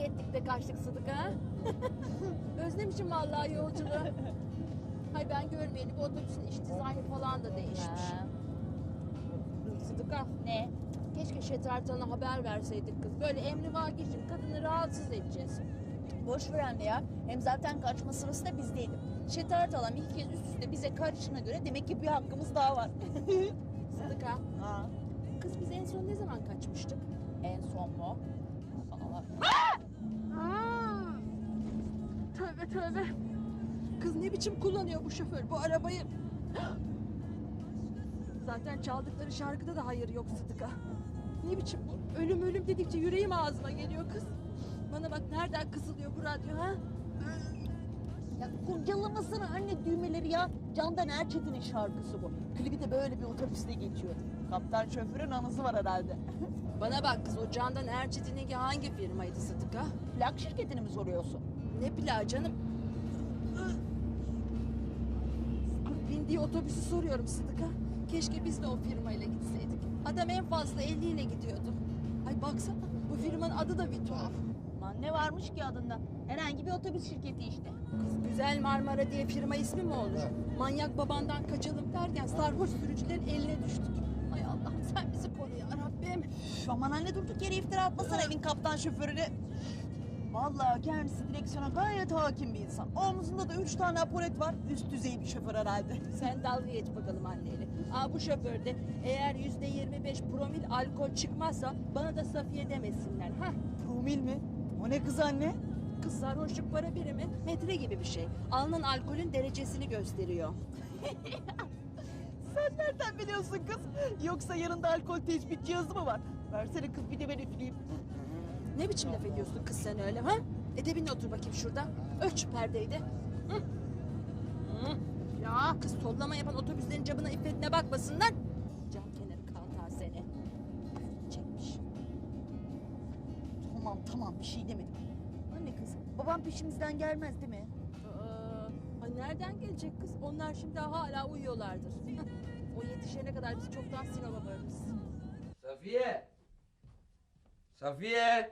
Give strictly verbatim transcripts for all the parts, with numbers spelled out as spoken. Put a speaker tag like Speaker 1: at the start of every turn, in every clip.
Speaker 1: ettik de kaçtık Sıdıka. Ha? Özlemişim vallahi yolculuğu. Hay ben görmeyeli bu otobüsün iç dizaynı falan da değişmiş.
Speaker 2: Ha.
Speaker 1: Sıdıka.
Speaker 2: Ne?
Speaker 1: Keşke Şetertan'a haber verseydik kız. Böyle emrivaki için kadını rahatsız edeceğiz.
Speaker 2: Boş ver anne ya. Hem zaten kaçma sırası da bizdeydi. Şetaret alan iki kez üst üste bize karışına göre demek ki bir hakkımız daha var.
Speaker 1: Sıdıka.
Speaker 2: Ha.
Speaker 1: Kız biz en son ne zaman kaçmıştık?
Speaker 2: En son mu? Aa,
Speaker 1: Tövbe tövbe. Kız ne biçim kullanıyor bu şoför bu arabayı? Zaten çaldıkları şarkıda da hayır yok Sıdıka. Ne biçim bu? Ölüm ölüm dedikçe yüreğim ağzıma geliyor kız. Bana bak nereden kısılıyor bu radyo ha?
Speaker 2: Ya kurcalamasana anne düğmeleri ya. Candan Erçetin'in şarkısı bu. Klibi de böyle bir otobüste geçiyor. Kaptan şoförün anısı var herhalde.
Speaker 1: Bana bak kız o Candan Erçetin'inki hangi firmaydı Sıdıka?
Speaker 2: Plak şirketini mi soruyorsun?
Speaker 1: Ne plağı canım? Bindiği otobüsü soruyorum Sıdıka. Keşke biz de o firmayla gitseydik. Adam en fazla elli ile gidiyordu. Ay baksana bu firmanın adı da bir tuhaf.
Speaker 2: Lan ne varmış ki adında? Herhangi bir otobüs şirketi işte.
Speaker 1: Kız Güzel Marmara diye firma ismi mi olur? Manyak babandan kaçalım derken sarhoş sürücülerin eline düştük. Ay Allah'ım sen bizi koru ya Rabbim.
Speaker 2: Şu aman anne durduk yere iftira atmasana evin kaptan şoförüne. Vallahi kendisi direksiyona gayet hakim bir insan. Omzunda da üç tane apolet var. Üst düzey bir şoför herhalde.
Speaker 1: Sen dalga geç bakalım anneyle. Aa bu şoförde eğer yüzde yirmi beş promil alkol çıkmazsa bana da Safiye demesinler. Ha?
Speaker 2: Promil mi? O ne kız anne?
Speaker 1: Kız sarhoşluk para birimi metre gibi bir şey. Alınan alkolün derecesini gösteriyor.
Speaker 2: Sen nereden biliyorsun kız? Yoksa yanında alkol tespit cihazı mı var? Versene kız bir de ben üfleyeyim.
Speaker 1: Ne biçim laf ediyorsun kız sen öyle ha? Edebinle otur bakayım şurada. Ölç şu perdeyi de. Hı. Hı. Ya kız tollama yapan otobüslerin camına iffetine bakmasınlar. Cam kenarı kantar seni. Çekmiş.
Speaker 2: Tamam tamam bir şey demedim. Anne kız babam peşimizden gelmez değil mi?
Speaker 1: Aa, ay nereden gelecek kız? Onlar şimdi hala uyuyorlardır. O yetişene kadar biz çoktan Sinop'a varırız.
Speaker 3: Safiye! Safiye!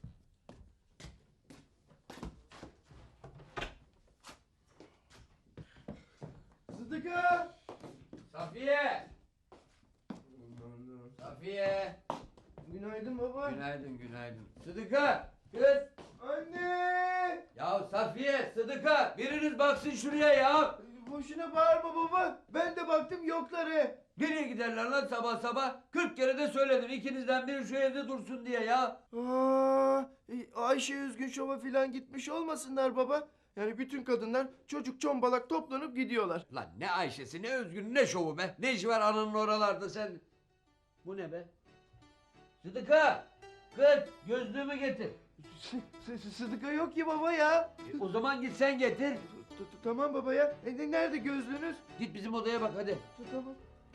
Speaker 4: Sıdıka!
Speaker 3: Safiye! Safiye!
Speaker 4: Günaydın baba.
Speaker 3: Günaydın, günaydın. Sıdıka! Kız!
Speaker 4: Anne!
Speaker 3: Ya Safiye, Sıdıka! Biriniz baksın şuraya ya!
Speaker 4: Boşuna bağırma baba. Ben de baktım yokları.
Speaker 3: Nereye giderler lan sabah sabah? Kırk kere de söyledim ikinizden biri şu evde dursun diye ya.
Speaker 4: Aa, e, Ayşe Üzgün Şov'a filan gitmiş olmasınlar baba. Yani bütün kadınlar çocuk çombalak toplanıp gidiyorlar.
Speaker 3: Lan ne Ayşe'si, ne Özgün, ne şovu be? Ne işi var ananın oralarda sen? Bu ne be? Sıdıka! Kız gözlüğümü getir.
Speaker 4: S- S- Sıdıka yok ki baba ya.
Speaker 3: E, o zaman git sen getir.
Speaker 4: T- t- Tamam baba ya. E, ne- nerede gözlüğünüz?
Speaker 3: Git bizim odaya bak hadi.
Speaker 4: T- Tamam.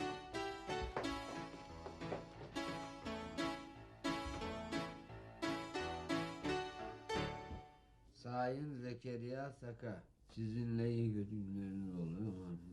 Speaker 3: Sayın Zekeriya Saka. Sizinle iyi günleriniz oluyor.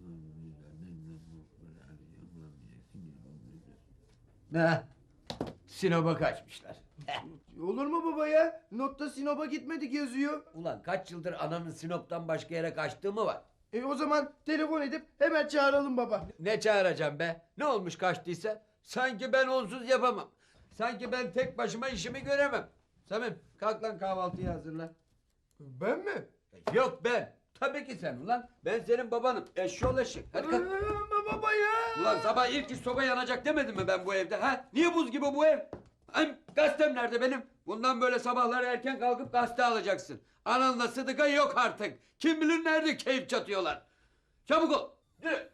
Speaker 3: Ne? Sinop'a kaçmışlar.
Speaker 4: Olur mu baba ya? Notta Sinop'a gitmedik yazıyor.
Speaker 3: Ulan kaç yıldır ananın Sinop'tan başka yere kaçtığı mı var?
Speaker 4: E o zaman telefon edip hemen çağıralım baba.
Speaker 3: Ne çağıracağım be? Ne olmuş kaçtıysa? Sanki ben onsuz yapamam. Sanki ben tek başıma işimi göremem. Samim kalk lan kahvaltıyı hazırla.
Speaker 4: Ben mi?
Speaker 3: Yok ben. Tabii ki sen ulan. Ben senin babanım. Eşşoğlu eşek. Hadi kalk.
Speaker 4: Ama baba ya.
Speaker 3: Ulan sabah ilk iş soba yanacak demedim mi ben bu evde ha? Niye buz gibi bu ev? Ay, gazetem nerede benim? Bundan böyle sabahları erken kalkıp gazete alacaksın. Ananla Sıdıka yok artık. Kim bilir nerede keyif çatıyorlar. Çabuk ol. Yürü.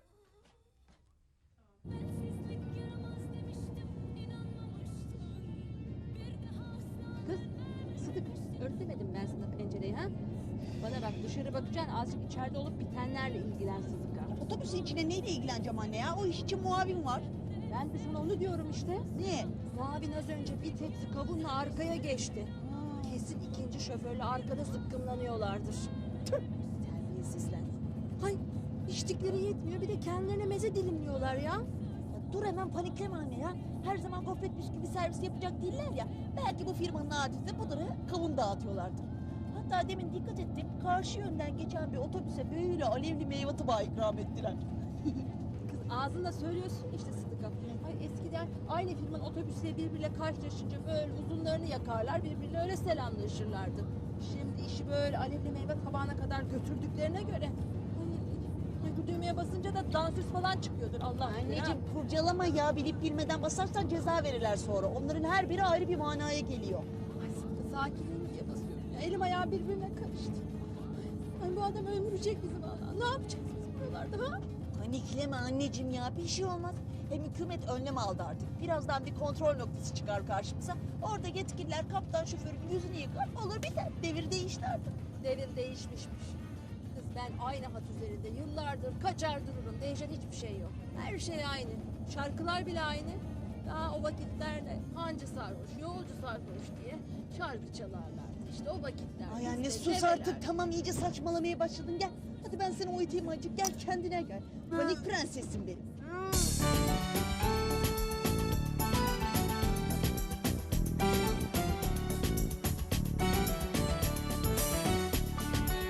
Speaker 1: Kız Sıdık örtlemedim ben sana pencereyi ha? Bana bak dışarı bakacaksın azıcık içeride olup bitenlerle ilgilen Sıdıka.
Speaker 2: Otobüsün içine neyle ilgileneceğim anne ya? O iş için muavin var.
Speaker 1: Ben de sana onu diyorum işte.
Speaker 2: Niye?
Speaker 1: Muavin az önce bir tepsi kavunla arkaya geçti. Kesin ikinci şoförle arkada zıkkımlanıyorlardır. Tüh, terbiyesizler. Hay içtikleri yetmiyor bir de kendilerine meze dilimliyorlar ya.
Speaker 2: Ya dur hemen panikleme anne ya. Her zaman gofret bisküvi servis yapacak değiller ya. Belki bu firmanın adeti budur ha. Kavun dağıtıyorlardır. Hatta demin dikkat ettim. Karşı yönden geçen bir otobüse böyle alevli meyve tabağı ikram ettiler.
Speaker 1: Kız ağzında söylüyorsun işte Sıdıka. Ay eskiden aynı firmanın otobüsleri birbiriyle karşılaşınca böyle uzunlarını yakarlar, birbiriyle öyle selamlaşırlardı. Şimdi işi böyle alevli meyve tabağına kadar götürdüklerine göre... Ay, ay bu düğmeye basınca da dansöz falan çıkıyordur Allah bilir ha.
Speaker 2: Anneciğim kurcalama ya. Bilip bilmeden basarsan ceza verirler sonra. Onların her biri ayrı bir manaya geliyor.
Speaker 1: Ay Sıdıka sakinliğini diye basıyorum ya. Elim ayağım birbirine karıştı. Ay bu adam öldürecek bizi vallahi. Ne yapacağız biz buralarda ha?
Speaker 2: Panikleme anneciğim ya. Bir şey olmaz. Hem hükümet önlem aldı artık. Birazdan bir kontrol noktası çıkar karşımıza. Orada yetkililer kaptan şoförün yüzünü yıkar. Olur biter. Devir değişti artık.
Speaker 1: Devir değişmişmiş. Kız ben aynı hat üzerinde yıllardır kaçar dururum. Değişen hiçbir şey yok. Her şey aynı. Şarkılar bile aynı. Daha o vakitlerde hancı sarhoş, yolcu sarhoş diye şarkı çalarlardı. İşte o vakitler.
Speaker 2: Ay
Speaker 1: biz
Speaker 2: anne
Speaker 1: de
Speaker 2: sus
Speaker 1: develer.
Speaker 2: artık. Tamam iyice saçmalamaya başladın. Gel. Hadi ben seni uyutayım azıcık. Gel kendine gel. Panik prensesim benim.